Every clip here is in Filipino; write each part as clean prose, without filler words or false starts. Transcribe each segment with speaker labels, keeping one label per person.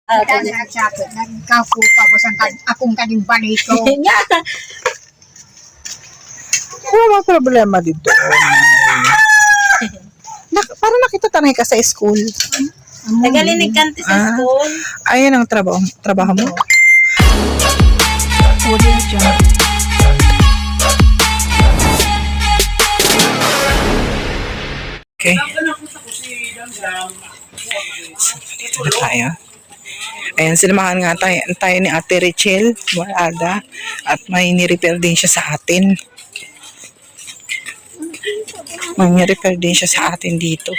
Speaker 1: Kasi nagkafu pa po sa akong kaning balito.
Speaker 2: Nga.
Speaker 3: Wala mga problema dito. Parang nakita tanay ka sa school.
Speaker 2: Nagalinig kanti sa school.
Speaker 3: Ayan ang trabaho mo? Okay. Dito na tayo. Ayan, sinamahan nga tayo ni Ate Richel Warada at may ni-repair din siya sa atin. May ni-repair din siya sa atin dito.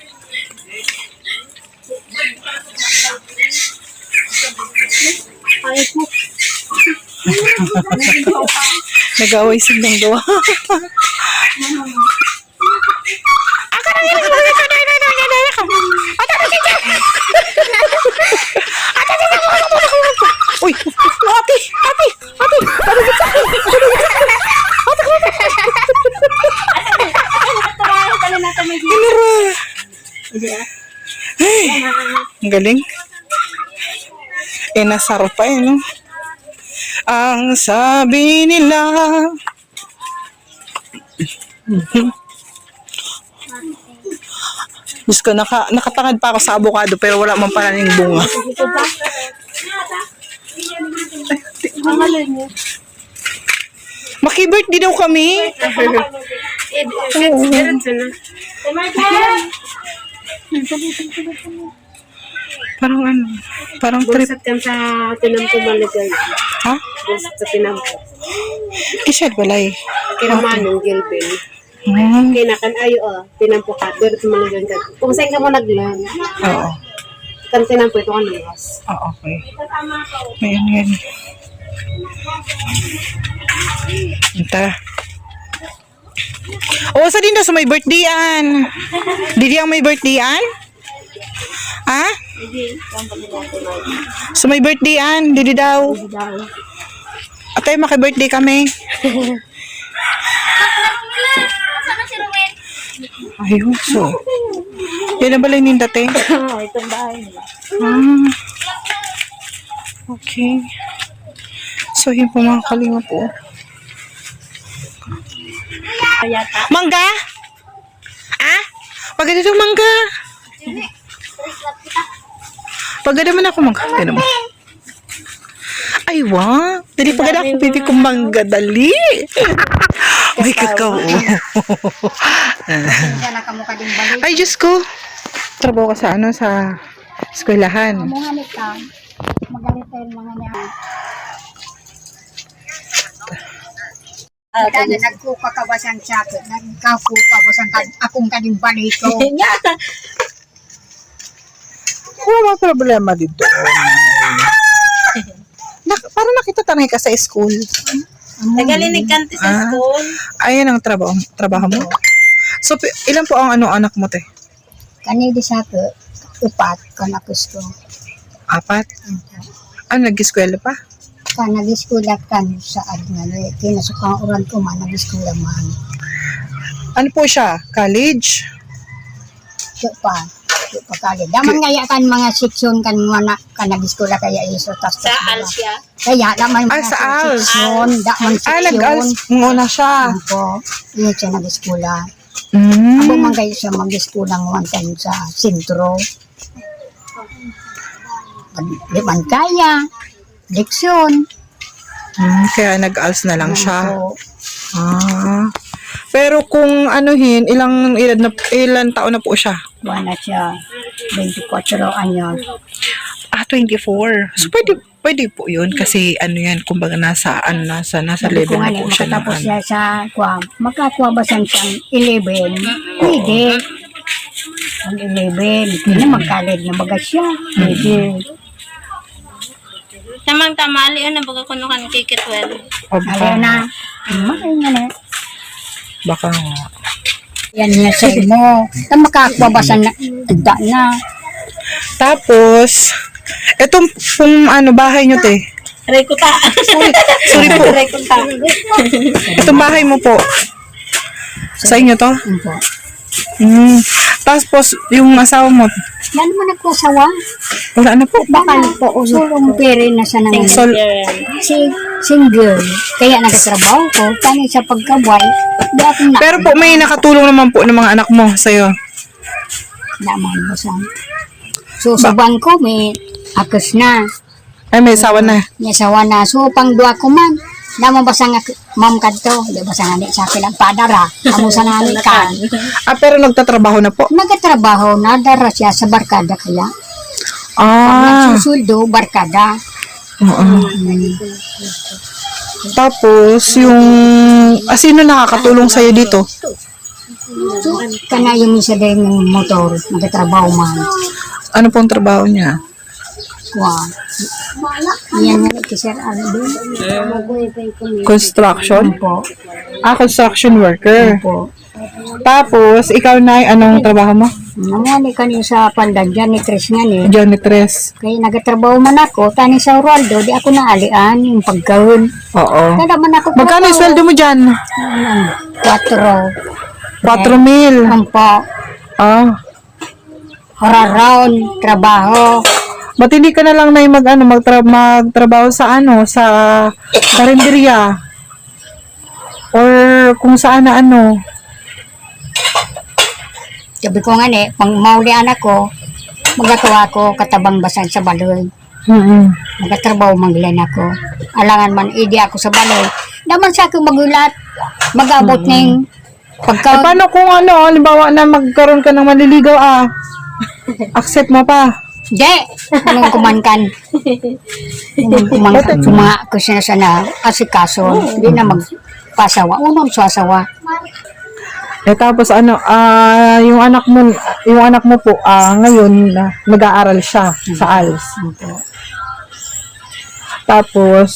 Speaker 3: Nag-away silang gawa. Uy! Ate! Ang galing. Nasaro pa no? Ang sabi nila. Diyos ko, nakatangad pa ako sa avocado pero wala man pala ng bunga. Maki-birthday daw kami. Parang parang trip.
Speaker 2: Bulasat kan sa tinampo maligay.
Speaker 3: Ha?
Speaker 2: Bulasat sa tinampo.
Speaker 3: Kisad balay.
Speaker 2: Kinamanong gilbin.
Speaker 3: Hmm.
Speaker 2: Kinakan ayo tinampo ka. Pero tumaligay ka. Kung saan ka mo naglang.
Speaker 3: Oo.
Speaker 2: Kan tinampo ito kan luwas.
Speaker 3: Okay. Ayan. Tara. O, sa din daw sa may birthday-an. Didi ang may birthday-an? Ha? Sa may birthday-an, didi daw. Atay, maki-birthday kami. Ayun, so. Yan na balay nindate?
Speaker 2: Itong bahay nila.
Speaker 3: Okay. So, yun po mga kalinga po. Mangga? Paganda daw mangga. Paganda man ako mangga. Gano'n mo. Ay, wow. Dali paganda ako pipi kong mangga. Dali. May kakao. Ay, Diyos ko. Trabaho ka sa sa eskwelahan.
Speaker 1: Mamuhanit ka. Magalit tayo mga niya. Kasi nagkuka ka ba siyang sakit? Nagkafu pa po sa akong kaning balito.
Speaker 2: Nga.
Speaker 3: Wala mga problema dito. Parang nakita tanay ka sa school.
Speaker 2: Nagalinig kanti sa school.
Speaker 3: Ayan ang trabaho mo? So, ilan po ang anak mo, te?
Speaker 1: Kanidi sakit. Upat ka na gusto.
Speaker 3: 4? Nag-eskwela pa?
Speaker 1: Ka nag-eskwela kan sa Adnalo. Kinasukang uran ko man, nag-eskwela man.
Speaker 3: Ano po siya? College?
Speaker 1: Siya pa kali. Daman ngaya kan mga seksyon kan mga nag-eskwela kaya iso.
Speaker 2: Sa Alsia.
Speaker 1: Kaya daman mga
Speaker 3: sa ALS.
Speaker 1: seksyon. Daman seksyon.
Speaker 3: Nag-ALS. Muna siya.
Speaker 1: Opo. Iya siya nag-eskwela.
Speaker 3: Mm.
Speaker 1: Abo man kayo siya mag-eskwela ng time sa sentro. Di man kaya. Leksyon.
Speaker 3: Kaya nag-ALS na lang siya.
Speaker 1: Opo.
Speaker 3: Pero kung ilan taon na po siya?
Speaker 1: Buwan na siya. 24 anyos.
Speaker 3: 24. So, pwede po yun kasi yan, kumbaga nasa level na po siya.
Speaker 1: Makatapos siya sa makakuha ba siyang 11? Pwede. Ang 11. Hindi na mag-college na baga siya. Pwede.
Speaker 2: Tamang tamali na baga kuno kan kikit well.
Speaker 1: Ayaw na. Makain nga na.
Speaker 3: Baka nga.
Speaker 1: Yan nga sa mo. Na makakuha ba siyang na.
Speaker 3: Tapos, etong bahay nyo, te.
Speaker 2: Rekuta.
Speaker 3: Sorry po.
Speaker 2: Rekuta.
Speaker 3: Itong bahay mo po. Sa inyo to?
Speaker 1: Opo.
Speaker 3: Tapos, yung asawa mo,
Speaker 1: Yan naman nagkasawa.
Speaker 3: wala na po.
Speaker 1: Bakal po, sulong pere na sa nangyay.
Speaker 3: Sol,
Speaker 1: Single. Kaya nagtatrabaho ko. Tani sa pagkabay. Di ako na.
Speaker 3: pero po, may nakatulong naman po ng mga anak mo sa'yo.
Speaker 1: Naman mo sa. So, sa bangko, may akos na.
Speaker 3: Ay, may asawa na.
Speaker 1: May asawa na. So, pang duwa ko man. Naman basa nga, ma'am kadto. Di ba sa nga sa akin ang padara. Amo sa nga kan.
Speaker 3: Pero nagtatrabaho na po.
Speaker 1: Nagatrabaho na. Dara siya sa barkada kaya. Nagsusuldo, barkada.
Speaker 3: Oo. Tapos, yung, sino nakakatulong sa'yo dito?
Speaker 1: So, kana yung isa din yung motor. Nagatrabaho man.
Speaker 3: Ano pong trabaho niya?
Speaker 1: Wow. Yan nga ito, sir. Ano doon?
Speaker 3: Construction?
Speaker 1: Po.
Speaker 3: Construction worker.
Speaker 1: Po.
Speaker 3: Tapos, ikaw na, anong trabaho mo?
Speaker 1: Namani kanyo sa pandagyan ni Chris nga ni.
Speaker 3: Janitress.
Speaker 1: Kaya nagatrabaho man ako, tani sa Uraldo, di ako naalian yung pagkahon.
Speaker 3: Oo.
Speaker 1: Kada man ako
Speaker 3: Magkano yung sweldo mo dyan?
Speaker 1: 4.
Speaker 3: 4,000.
Speaker 1: Ampo. Hararound, trabaho.
Speaker 3: Ba't hindi ka na lang na magtrabaho sa sa karinderya? Or kung saan na
Speaker 1: Sabi ko nga ni, pang maulian ako, magatuwa ko katabang basag sa baloy. Magatrabaho manggilan ako. Alangan man, idi ako sa baloy. Naman sa akin magulat, mag-abot ng pagka...
Speaker 3: paano kung halimbawa na magkaroon ka ng maliligaw accept mo pa?
Speaker 1: Di! Anong kumankan? Kumankan. Ko siya sana asikaso. Hindi na magpasawa. Unong sasawa.
Speaker 3: Tapos yung anak mo po ngayon nag-aaral siya sa ALS. Tapos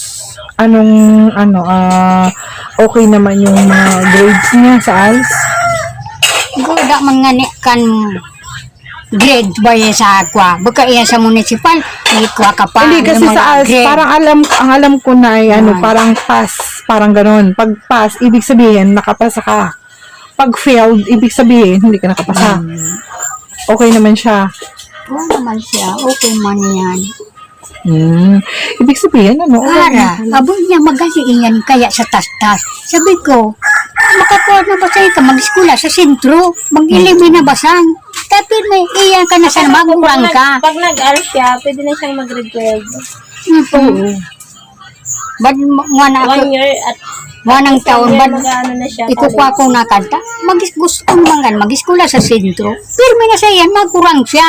Speaker 3: okay naman yung mga grades niya sa ALS.
Speaker 1: Goda mga kan grade ba yan sa aqua? Baka yan sa municipal, may aqua ka pa.
Speaker 3: Hindi kasi sa ALS, parang ang alam ko na ay parang pass, parang gano'n. Pag pass, ibig sabihin nakapasa ka. Pag failed, ibig sabihin hindi ka nakapasa. Okay naman siya.
Speaker 1: Oo naman siya, okay man yan.
Speaker 3: Ibig sabihin,
Speaker 1: Ara, abo niya magaling iyan kaya sa tas-tas. Sabi ko, makakuha na ba sa'yo ka mag-eskwela sa sentro? Mag-ilimi na basan? Tapi may iyan ka na sa magurang ka.
Speaker 2: Pag nag-aral siya, pwede na siyang mag-grade
Speaker 1: 12. Bad nga na ako,
Speaker 2: 1 year at
Speaker 1: wanang taon, bad
Speaker 2: mag-ano na siya.
Speaker 1: ikukuha ko na kanta. Gusto ko naman mag-eskwela sa sentro. Pero may na sa iyan, magurang siya.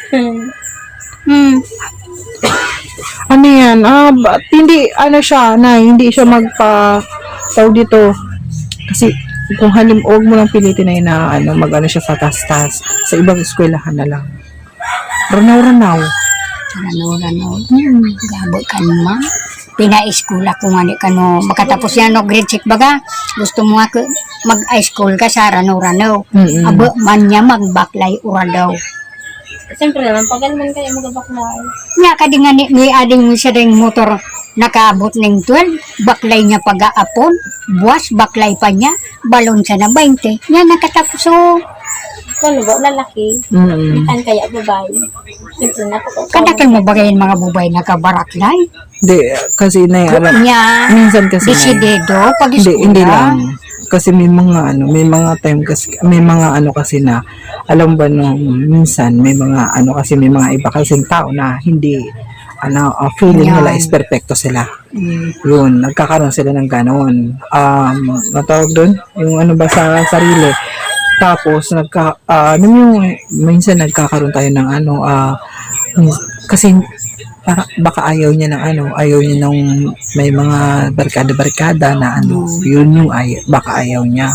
Speaker 3: Ano yan? Hindi, siya, hindi siya tawag dito. Kasi, kung huwag mo lang pilitin na mag-ano siya sa tas-tas. Sa ibang eskwelahan na lang. Ranaw-ranaw.
Speaker 1: Ranaw-ranaw. Gabot ka naman. Pina-eskwela ko nga ni kano. Makatapos yan, grade 6 baga. Gusto mo nga mag-high school ka sa ranaw-ranaw. Abo man niya mag-baklay uradaw.
Speaker 2: Siyempre naman, pag naman kayo mag-baklay.
Speaker 1: Nga ka di nga may ading siya rin motor nakaabot ng 12. Baklay niya pag-aapon. Buwas, baklay pa niya. Balon siya na 20. Nga nakatapos so.
Speaker 2: Ano ba, lalaki? Kan kaya babae? Siyempre na po.
Speaker 1: Kadakan mo bagayin mga bubay nakabaraklay?
Speaker 3: Hindi, kasi
Speaker 1: Niya,
Speaker 3: minsan kasi
Speaker 1: desidedo pag
Speaker 3: hindi lang. Kasi may mga time kasi, may mga kasi na, alam ba minsan, may mga kasi may mga iba kasing tao na hindi, feeling nila is perfecto sila. Yun, nagkakaroon sila ng ganon. Natawag doon? Yung ba sa sarili. Tapos, minsan nagkakaroon tayo ng kasi, baka ayaw niya ng may mga barkada na yun yung baka ayaw niya.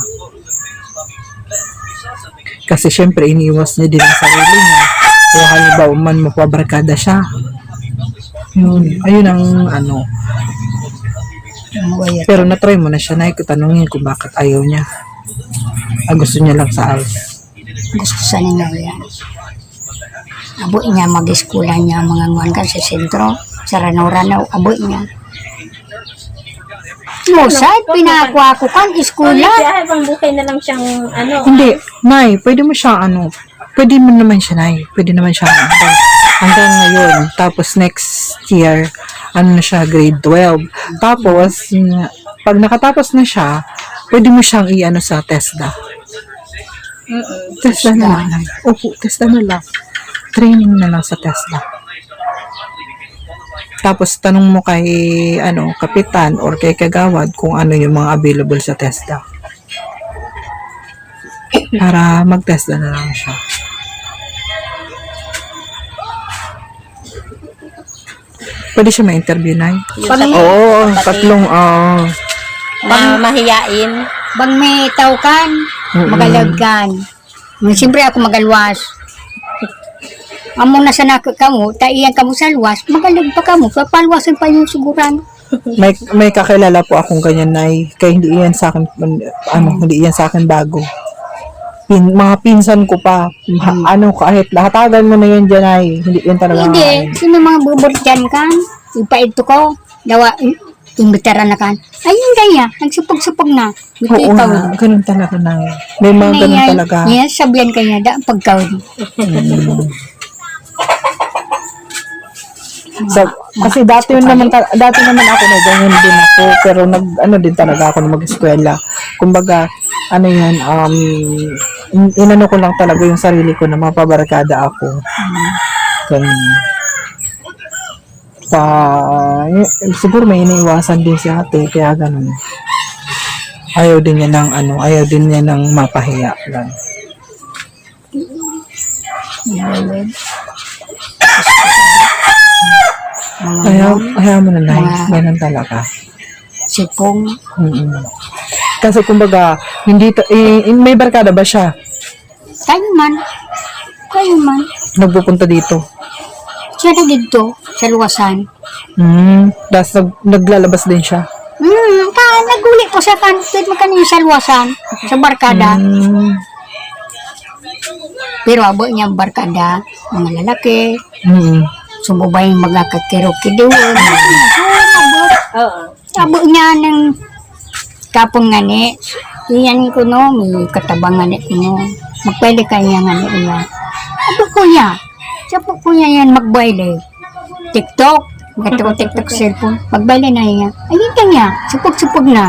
Speaker 3: Kasi syempre iniiwas niya din ang sarili niya. Kaya halimbawa man mapabarkada siya. Ayun ang pero na-try mo na siya na tanungin kung bakit ayaw niya. Gusto niya lang sa ALS.
Speaker 1: Gusto sa niya yan. Abo niya mag-eskwela niya mga nguan ka sa sentro, sa ranaw-ranaw, abo niya. Suicide, pinakuha ko kan, iskula.
Speaker 2: Siya, habang buhay na lang siyang, ano.
Speaker 3: Hindi, Nay, pwede mo siya pwede mo naman siya, Nay. Pwede naman siya hanggang ngayon. Tapos next year, na siya, grade 12. Tapos, pag nakatapos na siya, pwede mo siyang sa TESDA. TESDA na lang, Nay. Opo, TESDA na lang. Training na lang sa TESDA. Tapos, tanong mo kay, kapitan or kay kagawad kung ano yung mga available sa TESDA. Para mag-TESDA na lang siya. Pwede siya ma-interview, Nay? Oo, tatlong,
Speaker 2: Mahiyain.
Speaker 1: Bang may tao kan, magalagkan. Siyempre ako magalwas. Amo na sa nako kamo, taiyan kamo sa luwas, magalag pa kamo, papalwasan pa yung siguran.
Speaker 3: may kakilala po akong ganyan, Nay. Kaya hindi iyan sa akin, hindi iyan sa akin bago. Mga pinsan ko pa, kahit lahatagan mo na yan dyan, Nay. Hindi yan talaga.
Speaker 1: Hindi, sino mga bubot dyan kan? Ipaito ko, dawa, imbitara na kan. Ayun kaya, nagsupag-supag na.
Speaker 3: Oo nga, ganun talaga, Nay. May mga ganun talaga.
Speaker 1: Yes, sabihan kanya, da, pagkawin.
Speaker 3: So, kasi dati naman ako na ganyan din ako, pero din talaga ako na mag-eskwela. Kumbaga, inano ko lang talaga yung sarili ko na mapabarkada ako. Ganun. Siguro may iniiwasan din si ate, kaya ganun. Ayaw din niya ng mapahiya lang. Ayaw mo na lang. Ganun talaga.
Speaker 1: Sipong.
Speaker 3: Kasi kumbaga, may barkada ba siya?
Speaker 1: Kayo man.
Speaker 3: Nagpupunta dito?
Speaker 1: Siya na dito, sa luwasan.
Speaker 3: Tapos naglalabas din siya?
Speaker 1: Naguli po sa kanto, magkano sa luwasan, sa barkada. Pero abo niya barkada, mga lalaki. Sumubay yung mga kakirok-kidoon. Abo niya ng kapong ngani. Iyan ko no, may katabang ngani ko no. Magpwede kanya ngani iya. Abo ko niya. Siya po niya yan magbayle. TikTok. Gatong TikTok cellphone. Magbayle na iya. Ayun kanya. Supog-supog na.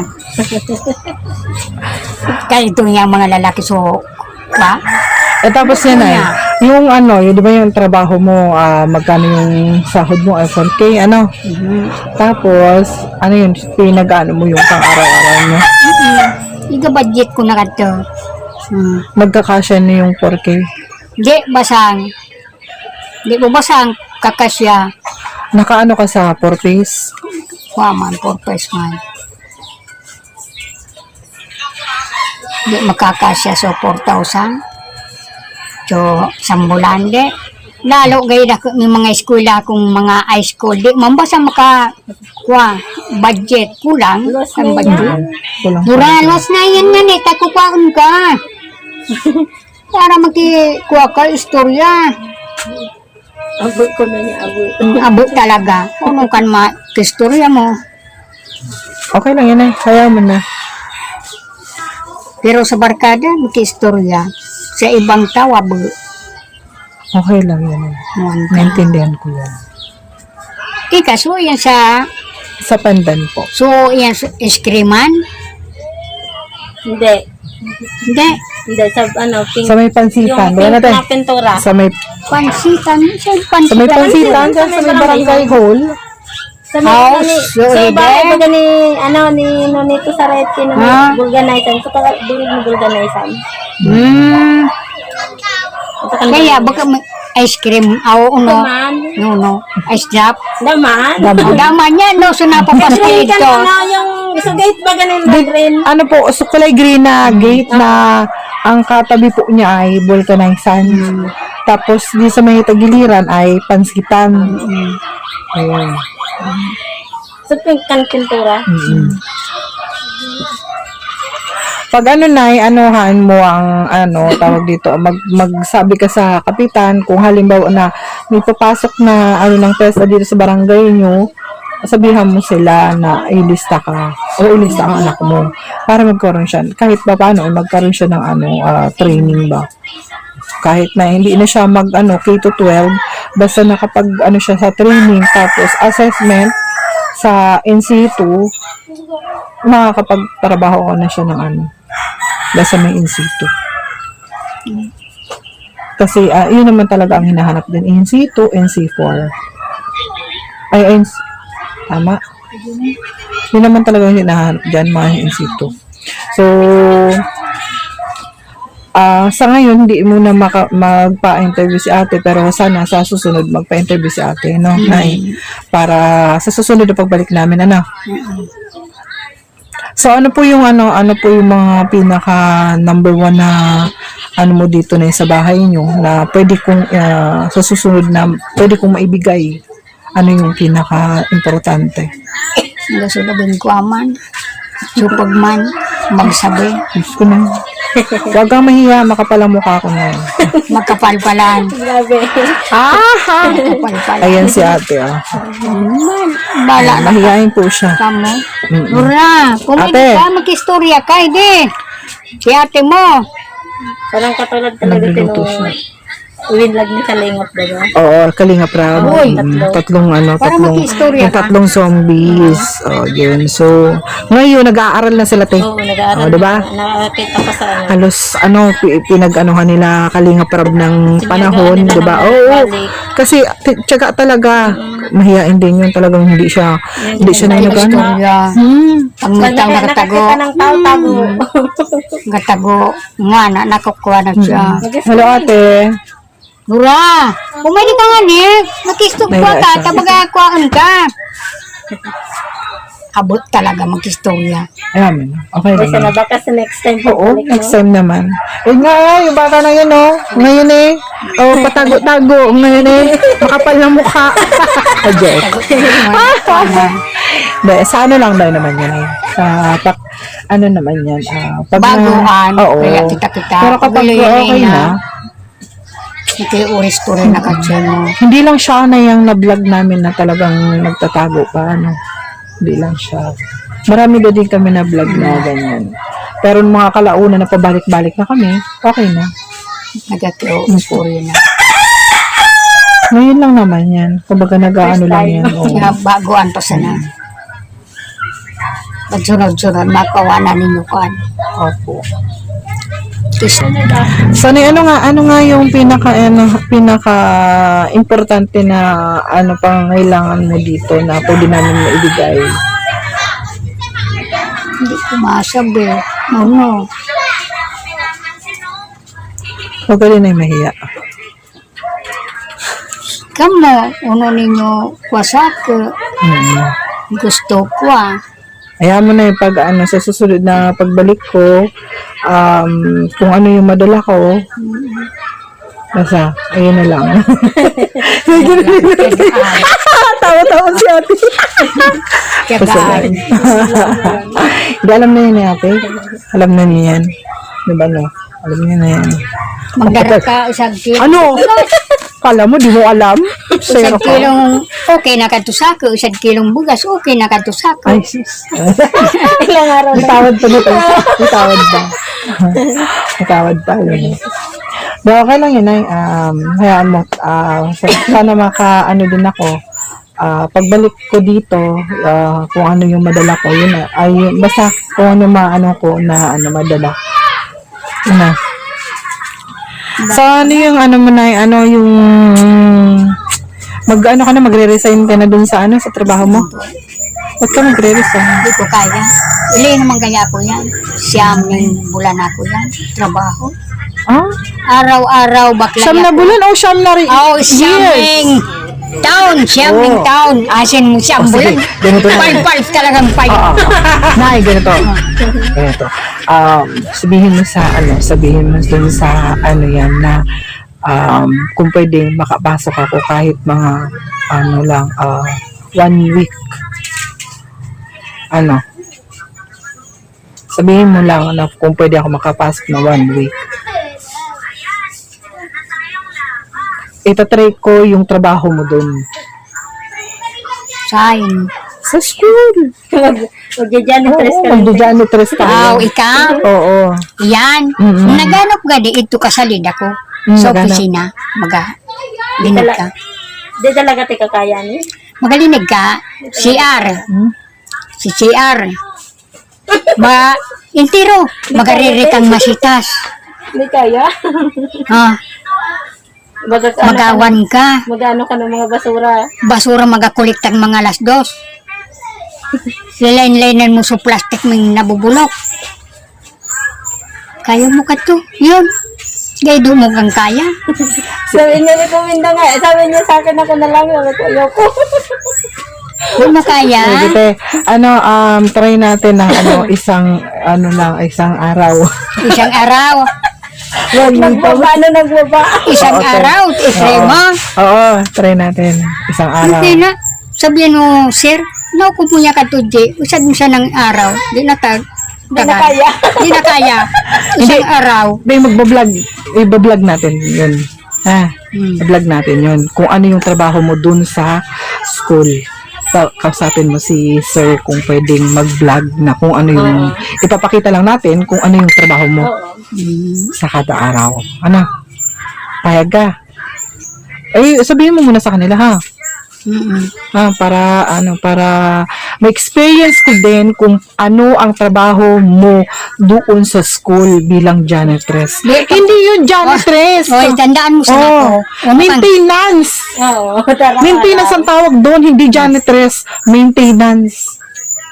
Speaker 1: Kaya ito niya mga lalaki so.
Speaker 3: Tapos yan ay, yung di ba yung trabaho mo, magkano yung sahod mo, 4K, Tapos, yun, pinag-ano mo yung pang-araw-araw mo?
Speaker 1: Iga-budget ko na kato.
Speaker 3: Magkakasya na yung 4K?
Speaker 1: Di, basang. Di mo basang, kakasya.
Speaker 3: Nakaano ka sa 4 piece?
Speaker 1: Waman, 4 piece man. Di makakasya so 4,000. So, sambulan di. Lalo gaya na may mga eskwela kung mga high school. Di, mambasa budget. Kulang. Ang budget. Duralos na yan nga ni. Takukuhaan ka. Para magkikuha ka istorya.
Speaker 2: Abot ko na niya, abot.
Speaker 1: Abot talaga. Kung kan istorya mo.
Speaker 3: Okay lang yan eh. Kaya mo na.
Speaker 1: Pero sa barkada, istorya. Sa ibang tao, abo.
Speaker 3: Okay lang yan eh. Naintindihan ko yan.
Speaker 1: So yan sa...
Speaker 3: Sa pandan po.
Speaker 1: So, yan sa iskriman?
Speaker 2: Hindi.
Speaker 1: Hindi.
Speaker 2: Hindi, sa pink.
Speaker 3: Sa may pansitan.
Speaker 2: Yung pink na pintura.
Speaker 3: Sa may...
Speaker 1: Pansitan.
Speaker 3: Sa may pansitan. Sa may barangay hall.
Speaker 2: Sa bahay ba ni Nonito Sarete na may vulganizan. Sa dulig na vulganizan.
Speaker 1: Kaya baka may ice cream. No. Ice drop.
Speaker 2: Daman.
Speaker 1: Daman yan. No, so napapasko ito.
Speaker 2: Yung gate ba ganin na green?
Speaker 3: So kulay green na gate na ang katabi po niya ay vulcanizan. Tapos di sa may tagiliran ay pansitan. Ayun.
Speaker 2: Sa pink kan pintura.
Speaker 3: Pag anuhan mo ang tawag dito, magsabi ka sa kapitan kung halimbawa na may papasok na ng TESDA dito sa barangay nyo, sabihan mo sila na ilista ka o ilista ang anak mo para magkaroon siya, kahit pa paano, magkaroon siya ng training ba. Kahit na hindi na siya K-12, basta nakapag siya sa training, tapos assessment sa NC2, makakapagtrabaho ko na siya ng basta may NC2. Kasi yun naman talaga ang hinahanap din, NC2, NC4. Tama. Yun naman talaga yung hinahanap dyan, mga NC2. So, sa ngayon, hindi muna magpa-interview si ate, pero sana sa susunod magpa-interview si ate, no? Nay, para sa susunod na pagbalik namin, So, ano po yung mga pinaka number 1 na mo dito na sa bahay nyo na pwede kong sa susunod na pwede kong maibigay? Ano yung pinaka importante?
Speaker 1: Nasulabin ko aman. Supagman. Magsabi.
Speaker 3: Diyos ko na. Huwag kang mahiya, makapalang mukha ko na.
Speaker 1: Magkapalpalan.
Speaker 2: Grabe.
Speaker 1: Magkapalpalan.
Speaker 3: Ayan si ate,
Speaker 1: Bala na
Speaker 3: mahihain po siya.
Speaker 1: kamo. Nura, kung
Speaker 3: Ate.
Speaker 1: hindi ka mag-istorya ka, hindi. Si ate mo.
Speaker 2: Parang katulad talaga
Speaker 3: Nagluluto siya.
Speaker 2: Winlag ni Kalingot, diba?
Speaker 3: Oo, Kalinga Prab.
Speaker 1: Uy.
Speaker 3: Tatlong
Speaker 1: Para mag-istorya ka.
Speaker 3: tatlong zombies. Yun. So, ngayon, nag-aaral na sila, te.
Speaker 2: Oo, nag-aaral.
Speaker 3: Diba?
Speaker 2: Nakakita ko sa
Speaker 3: Halos, pinag-anuhan nila Kalinga Prab ng panahon,
Speaker 2: nila
Speaker 3: diba?
Speaker 2: ng
Speaker 3: Oo.
Speaker 2: balik.
Speaker 3: Kasi, tsaga talaga. Mahihain din yun. Talagang hindi siya na nag-ano.
Speaker 1: Istorya. Pag may tao nakatago.
Speaker 2: Nakakita ng tao-tago.
Speaker 1: Nakatago. Nga, nakukuha na siya.
Speaker 3: Hello, ate.
Speaker 1: Nura, pumili ka nga ni. Nakistorya ka. Tabagakuhaan ka. Abot talaga mag-istorya.
Speaker 3: Ayan, okay
Speaker 2: Kasi
Speaker 3: lang.
Speaker 2: na baka sa next time.
Speaker 3: Oo,
Speaker 2: pagbalik mo.
Speaker 3: next time naman. Yung bata na yun, Ngayon patago-tago. Ngayon makapal na mukha. Ajay. Sa lang daw naman yan, Sa, naman yan. Pag
Speaker 1: Baguan.
Speaker 3: Oo.
Speaker 1: Kaya kita-kita.
Speaker 3: Pero kapag okay na,
Speaker 1: Ito yung story na katsa mo.
Speaker 3: hindi lang siya na yung na-vlog namin na talagang nagtatago pa, Hindi lang siya. Marami din kami na vlog na ganyan. Pero nung mga kalauna na pabalik-balik na kami, okay na.
Speaker 1: Nagkakaroon story na.
Speaker 3: Ngayon lang naman yan. Kumbaga nag-ano lang yan.
Speaker 1: Kaya baguan pa sana. Pagsunod-sunod, makawanan ninyo kan.
Speaker 3: Opo. So, ano nga yung pinaka importante na pangailangan mo dito na pwede namin maibigay?
Speaker 1: Hindi ko masabi. Ano?
Speaker 3: Huwag ka rin ay mahiya.
Speaker 1: Kamu, uno ninyo kwasak. Gusto ko
Speaker 3: Ayaw mo na yung sa susunod na pagbalik ko, kung ano yung madala ko, basta, ayun na lang. Tawa-tawa si ate.
Speaker 1: Tiyagaan.
Speaker 3: Hindi, alam na yun ate. Alam na niya yan. Diba Alam niya na yan.
Speaker 1: Magdara ka isang kilo.
Speaker 3: Ano? Kala mo, di mo alam?
Speaker 1: Isang kilong okay na katusako. Isang kilong bugas okay na katusako.
Speaker 3: Ay, sis.
Speaker 2: Ilang araw
Speaker 3: May tawad pa nito. May tawad ba? May tawad pa. Yun. Pero okay lang yun, ay. Hayaan mo. Sana din ako. Pagbalik ko dito, kung ano yung madala ko, yun na. Basta kung ano ko na madala. Yun na. So, ano yung mo na, yung magre-resign ka na dun sa sa trabaho mo? Ba't ka magre-resign?
Speaker 1: Hindi ko kaya. Ili naman kaya ako yan. Siyam ng bulan ako yan. Trabaho. Araw-araw bakla
Speaker 3: Siyam na bulan o siyam na rin?
Speaker 1: Oh, siyam ng taon. Siyam ng taon. Asin mo siyam bulan.
Speaker 3: Ganito na.
Speaker 1: Five talagang five.
Speaker 3: Nay, ganito. Ganito. Sabihin mo dun sa yan na kung pwedeng makapasok ako kahit mga 1 week. Sabihin mo lang na kung pwede ako makapasok na 1 week. Itatry ko yung trabaho mo dun.
Speaker 1: Sain.
Speaker 3: Sa school.
Speaker 2: Magja-janitress ka.
Speaker 3: Magja-janitress ka.
Speaker 1: Aw, ikaw.
Speaker 3: Oo.
Speaker 1: Yan.
Speaker 3: Mm-mm.
Speaker 1: Naganap ga di ito kasalid ako. Sa
Speaker 3: Naganap.
Speaker 1: opisina. Magalinig ka.
Speaker 2: Di talaga ti kakaya ni.
Speaker 1: Magalinig ka. CR. Si CR. Intiro. Magariri kang masitas.
Speaker 2: Hindi kaya.
Speaker 1: Ha? Magawan ka.
Speaker 2: Magano ka ng mga basura.
Speaker 1: Basura magakuliktang mga alas 2. Lilain-lainan mo sa plastic may nabubulok. Kaya mo ka to. Yun. Gaydo mo kang kaya.
Speaker 2: Sabi niya ni Kuminda nga. Sabi niya sa akin ako na lang. Sabi ko, ayoko.
Speaker 1: Kung mo kaya.
Speaker 3: Sige, try natin ng isang araw.
Speaker 1: Isang araw.
Speaker 2: Nagbaba.
Speaker 1: Isang
Speaker 3: Okay.
Speaker 1: araw. Isay mo.
Speaker 3: Oo, try natin. Isang araw.
Speaker 1: Hindi na. Sabihan mo, sir, naukupunya ka to, Jay. Usad mo siya ng araw. Di na
Speaker 2: Di na kaya.
Speaker 1: Di na kaya. Isang araw.
Speaker 3: Hindi, i-vlog natin yun. I-vlog natin yun. Kung ano yung trabaho mo dun sa school. Kausapin mo si sir kung pwedeng mag-vlog na kung ano yung, ipapakita lang natin kung ano yung trabaho mo sa kada araw. Ano? Payag ka. Sabihin mo muna sa kanila, ha? Para ma-experience ko din kung ano ang trabaho mo doon sa school bilang janitress. Hindi yun janitress.
Speaker 1: Oy, tandaan mo sa ako.
Speaker 3: Maintenance.
Speaker 2: Oo.
Speaker 3: Maintenance ang tawag doon, hindi janitress. Maintenance.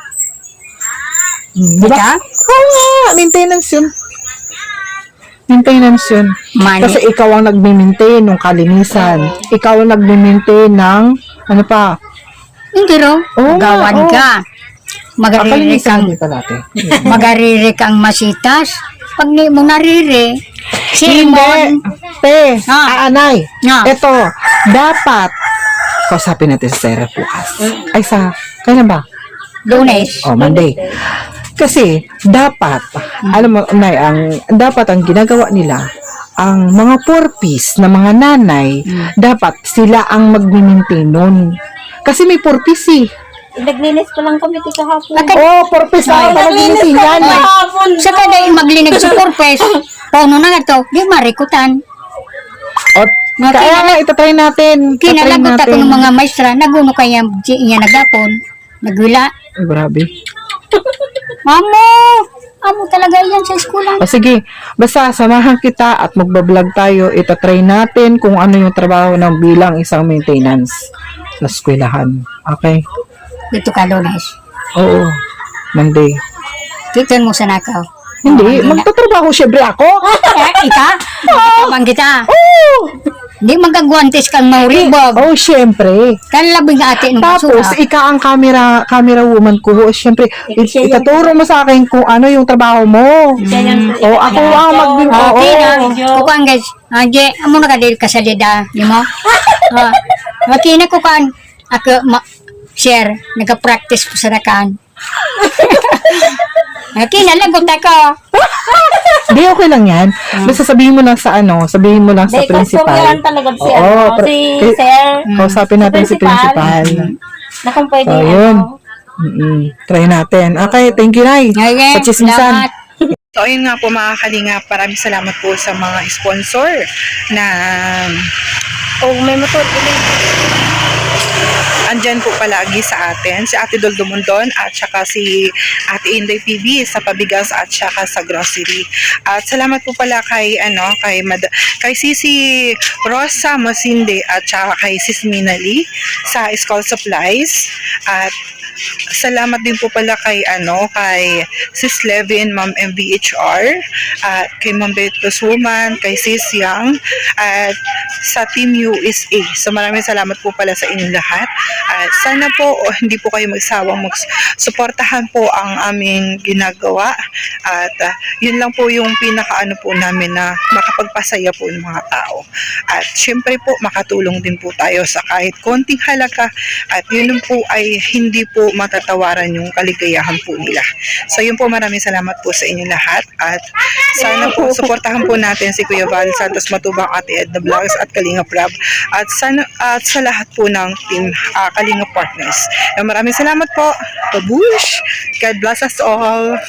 Speaker 3: Diba? Oo nga, maintenance yun. Maintenance yun.
Speaker 1: Money.
Speaker 3: Kasi ikaw ang nagme-maintain ng kalinisan. Ikaw ang nagme-maintain ng ano pa?
Speaker 1: Hindi ro.
Speaker 3: Oo nga,
Speaker 1: Gawan
Speaker 3: oo.
Speaker 1: ka. Magariri kang,
Speaker 3: dito natin.
Speaker 1: magariri kang masitas. Pag ni mo nariri,
Speaker 3: Hindi.
Speaker 1: sermon.
Speaker 3: Te, aanay.
Speaker 1: Ah.
Speaker 3: Ito, dapat kausapin natin sa Sarah bukas. Ay, kailan ba?
Speaker 1: Lunes.
Speaker 3: Monday. Kasi, dapat, alam mo, Nay, dapat ang ginagawa nila, ang mga purpose na mga nanay, dapat sila ang mag-maintain nun. Kasi may purpose eh.
Speaker 2: Naglinis pa lang kami ti kahapon.
Speaker 3: Purpose na ang
Speaker 2: Naglinis
Speaker 3: mag-maintain
Speaker 2: pa
Speaker 3: yan.
Speaker 2: kami kahapon.
Speaker 1: Sa kada maglinig sa purpose, pauno na nga to, di marikutan.
Speaker 3: Kaya nga, itatry natin.
Speaker 1: Kinalagot ako ng mga maestra, naguno kaya niya nagapon, nagwila.
Speaker 3: Ay, grabe.
Speaker 1: Amo talaga yan sa eskwela.
Speaker 3: Sige, basta samahan kita at magbablog tayo. Itatry natin kung ano yung trabaho ng bilang isang maintenance sa eskwelahan. Okay?
Speaker 1: Dito ka, Lunes.
Speaker 3: Oo. Monday.
Speaker 1: Titan mo sa nakaw.
Speaker 3: Hindi, magtatrabaho syempre ako.
Speaker 1: Ika? Kapang kita.
Speaker 3: Oo.
Speaker 1: Hindi magagwantes kang mauribog.
Speaker 3: Oh, syempre.
Speaker 1: Kanlabing ate ng
Speaker 3: Tapos,
Speaker 1: basura.
Speaker 3: ika ang camera woman ko. Syempre, itaturo mo sa akin kung ano yung trabaho mo. Ako ang
Speaker 1: Okay na. Kukuan guys. Anje, amo na ka dahil kasalida. Di mo? Makina kukuan. Ako, share. Nag-practice ko sa nakan. Kinalagot ako.
Speaker 3: Di, okay lang yan. Basta sabihin mo lang sa sa principal.
Speaker 2: Yan talaga si,
Speaker 3: Oo,
Speaker 2: si Sir.
Speaker 3: Kausapin natin si principal.
Speaker 2: Na kung pwede,
Speaker 3: So, yun. Try natin. Okay, thank you, Nay.
Speaker 1: Okay,
Speaker 3: Sa chismisan.
Speaker 1: salamat.
Speaker 3: So, ayun nga po mga kalingap. Maraming salamat po sa mga sponsor na
Speaker 2: may motor,
Speaker 3: andyan po palagi sa atin, si Ate Dol Dumondon at saka si Ate Inday PB sa pabigas at saka sa grocery. At salamat po pala kay kay Sisi Rosa Masinde at saka kay Sis Minali sa school supplies. At salamat din po pala kay Sis Levin, Ma'am MVHR, at kay Ma'am Betos Woman, kay Sis Yang, at sa Team USA. So maraming salamat po pala sa inyong lahat. At sana po hindi po kayo magsawang suportahan po ang aming ginagawa. At yun lang po yung pinakaano po namin na makapagpasaya po ng mga tao. At syempre po makatulong din po tayo sa kahit konting halaga. At yun po ay hindi po matatawaran yung kaligayahan po nila. So yun po, maraming salamat po sa inyong lahat. At sana po suportahan po natin si Kuya Val Santos Matubang, Ate Edna Vlogs at Kalinga Prab at sana at sa lahat po ng team Kalinga Partners. Maraming salamat po. Babush! God bless us all.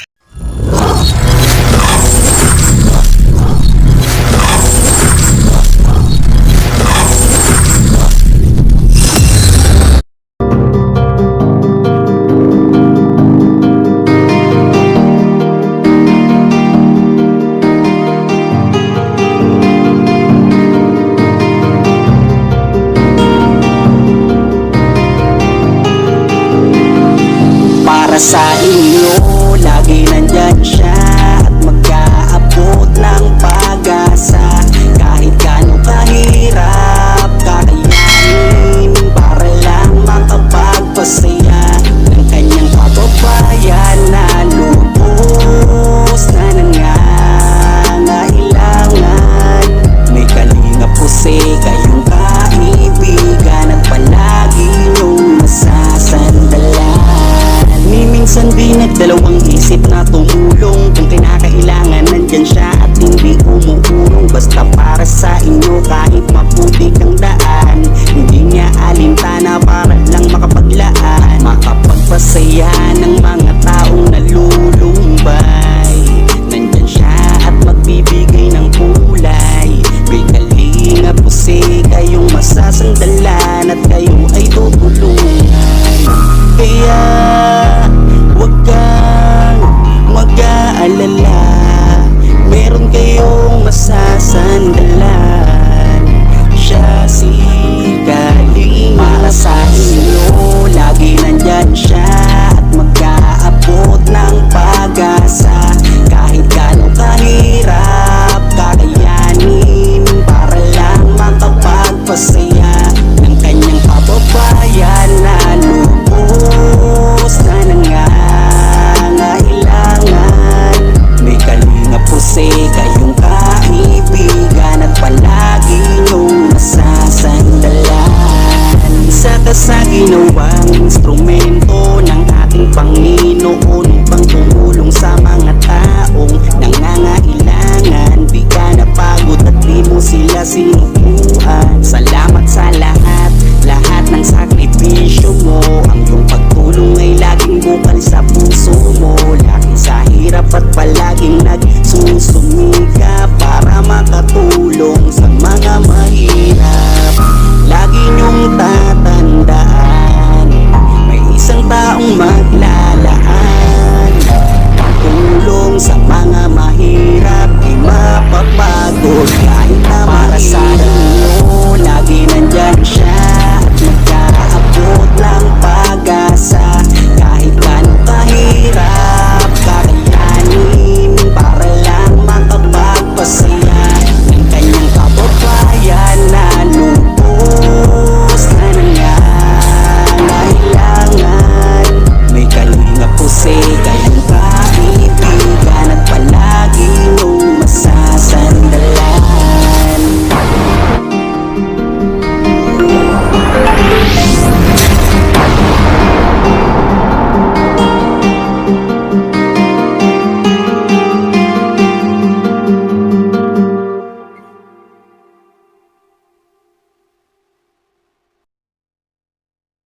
Speaker 4: Para sa inyo, lagi nandyan siya at mag-aabot ng pag-asa. Kahit gano'ng kahirap, kakayanin para lang makapagpasaya ng kanyang kababayan na lubos na nangangailangan. May kalinga po kayong kaibigan at palagi niyong masasandalan. Minsan di nagdalawang isip na tumulong. Kung kinakailangan nandyan siya at hindi umuurong. Basta para sa inyo kahit maputi kang daan. Hindi niya alintana para lang makapaglaan. Makapagpasaya ng mga taong nalulumbay. Nandyan siya at magbibigay ng kulay. May kalinga po kayong masasandalan at kayo ay tutulungan. Kaya huwag kang mag-aalala, meron kayong masasandalan. Siya si Kalinga. Para sa inyo, lagi nandyan siya at mag-aabot ng pag-asa. Kahit gano'ng kahirap, kakayanin para lang makapagpasaya ng kanyang kababayan na lubos na nangangailangan. May kalinga po kayong kaibigan at palagi niyong masasandalan. Isa ka sa ginawang instrumento ng ating Panginoon upang tumulong sa mga taong nangangailangan. Di ka napagod at di mo sila sinukuan. Salamat sa lahat ng sakripisyo mo. Ang iyong pagtulong ay laging bukal sa puso mo. Lagi sa hirap at palaging nagsusumika para makatulong sa mga mahirap. Lagi niyong tatandaan, may isang taong